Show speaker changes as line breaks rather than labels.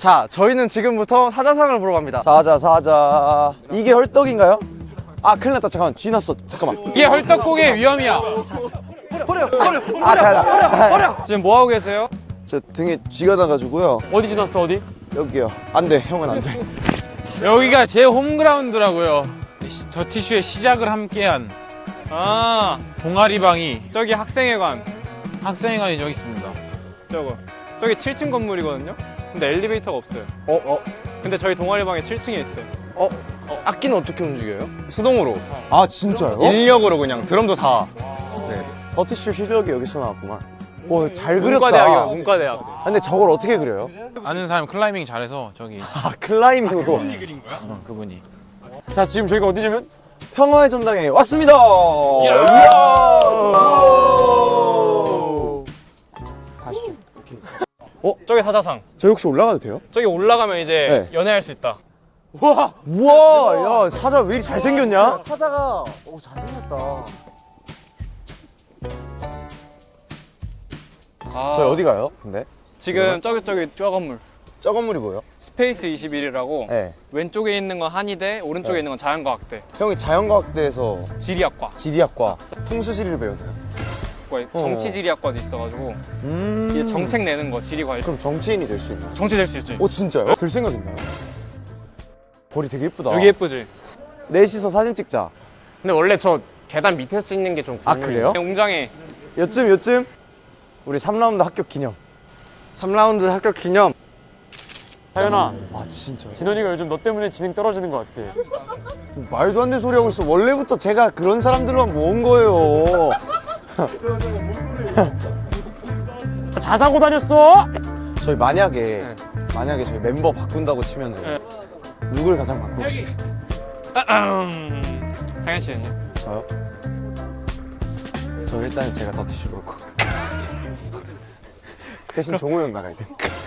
자, 저희는 지금부터 사자상을 보러 갑니다.
사자. 이게 헐떡인가요? 아, 큰일 났다. 잠깐만. 쥐 났어. 잠깐만.
이게 헐떡고기의 위험이야.
아, 잘.
지금 뭐 하고 계세요?
저 등에 쥐가 나가지고요.
어디 지났어 어디?
여기요. 안 돼. 형은 안 돼.
여기가 제 홈그라운드라고요. 저 티슈의 시작을 함께한 동아리방이 저기 학생회관이 저기 있습니다. 저기 7층 건물이거든요. 근데 엘리베이터가 없어요. 근데 저희 동아리방에 7층에 있어요.
악기는 어떻게 움직여요?
수동으로
아, 진짜요?
인력으로 그냥 드럼도 다.
버티슈 실력이 여기서 나왔구만. 오, 잘
문과대학이요,
그렸다.
문과대학.
아, 근데 저걸 어떻게 그려요?
아는 사람 클라이밍 잘해서 저기
아, 클라이밍으로.
그분이.
자, 지금 저희가 어디냐면
평화의 전당에 왔습니다. 이야.
저기 사자상.
저 혹시 올라가도 돼요?
저기 올라가면 이제
네.
연애할 수 있다.
우와, 야, 사자 왜 이리 잘생겼냐?
사자가 잘생겼다.
저희 어디 가요? 근데
지금 저기 저 건물.
저 건물이 뭐예요?
스페이스 21이라고
네.
왼쪽에 있는 건 한의대, 오른쪽에 있는 건 자연과학대,
형이 자연과학대에서
지리학과,
지리학과 풍수지리를 배우나요?
정치지리학과도 있어가지고 이제 정책 내는 거 지리 관련.
그럼 정치인이 될 수 있나요?
정치 될 수 있지.
오, 진짜요? 될 생각 있나요? 볼이 되게 예쁘다.
여기 예쁘지?
넷이서 사진 찍자.
근데 원래 저 계단 밑에서 찍는 게 좀
아, 그래요?
웅장해.
요쯤 우리 3라운드 합격 기념.
3라운드 합격 기념.
하연아,
아, 진짜
진원이가 요즘 너 때문에 지능 떨어지는 것 같아.
말도 안 되는 소리 하고 있어. 원래부터 제가 그런 사람들만 모은 거예요.
자사고 다녔어?
저희 만약에 저희 멤버 바꾼다고 치면은 누굴 가장 바꾸고 싶으세요?
상현 씨는요?
저요? 저 일단 제가 더티슈로 올 거고 대신 종호 형 나가야 돼.